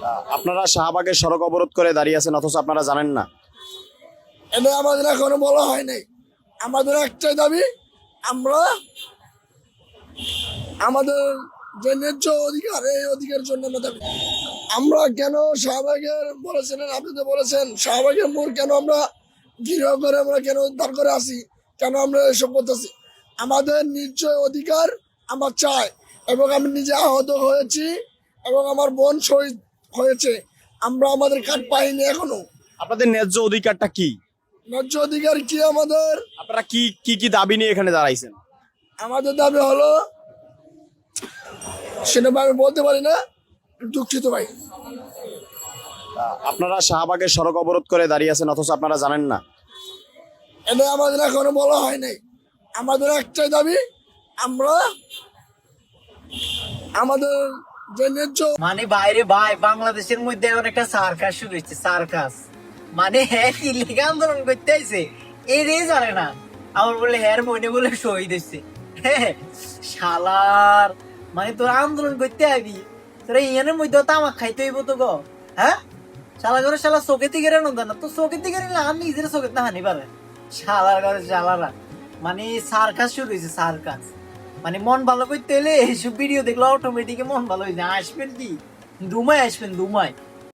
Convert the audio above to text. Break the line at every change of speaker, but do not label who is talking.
আপনারা শাহবাগের সড়ক অবরোধ করে দাঁড়িয়ে আছেন অথচ আপনারা জানেন না।
এটা আমাদের এখনো বলা হয় নাই। আমাদের একটাই দাবি, আমরা আমাদের যে ন্যায্য অধিকার, এই অধিকারের জন্য আমরা দাবি। আমরা কেন শাহবাগের বলেছিলেন, আপনি তো বলেছেন শাহবাগের মোড় কেন আমরা ঘিরাও করে, আমরা কেন উদ্ধার করে আসি, কেন আমরা এসব করতেছি? আমাদের নিশ্চয় অধিকার আমরা চাই, এবং আমি নিজে আহত হয়েছি এবং আমার বোন শহীদ হয়েছে। আমরা আমাদের কার্ড পাইনি এখনো।
আপনাদের ন্যায্য অধিকারটা কি?
ন্যায্য অধিকার কি আমাদের?
আপনারা কি কি কি দাবি নিয়ে এখানে দাঁড়াইছেন?
আমাদের দাবি হলো, সেটা আমি বলতে পারি না, দুঃখিত ভাই।
আপনারা শাহবাগের সড়ক অবরোধ করে দাঁড়িয়ে আছেন অথচ আপনারা জানেন না।
এটা আমাদের এখনো বলা হয় নাই। আমাদের একটাই দাবি, আমরা আমাদের যে ন্যায্য
মানে বাইরে ভাই বাংলাদেশের মধ্যে এখন একটা সার্কাস শুরু হয়েছে, সার্কাস। মানে হ্যাঁ কি লেগে আন্দোলন করতে আইছে এটাই জানে না, আমার বলে হ্যার মনে বলে শহীদ হয়েছে। হ্যাঁ শালার, মানে তোর আন্দোলন করতে আবি, তোরা ইয়ানের মধ্যে তামাক খাইতে হইব তো গো। হ্যাঁ শালা করে শালা চোখে থেকে রেনো না, তো চোখে থেকে নিলে আমি নিজের চোখে না হানি পারে। শালার ঘরে শালারা মানে সার্কাস শুরু হয়েছে, সার্কাস। মানে মন ভালো করতে হলে এইসব ভিডিও দেখলে অটোমেটিক মন ভালো হয়ে যায়। আসবেন কি দুমায় আসবেন, দুমায়।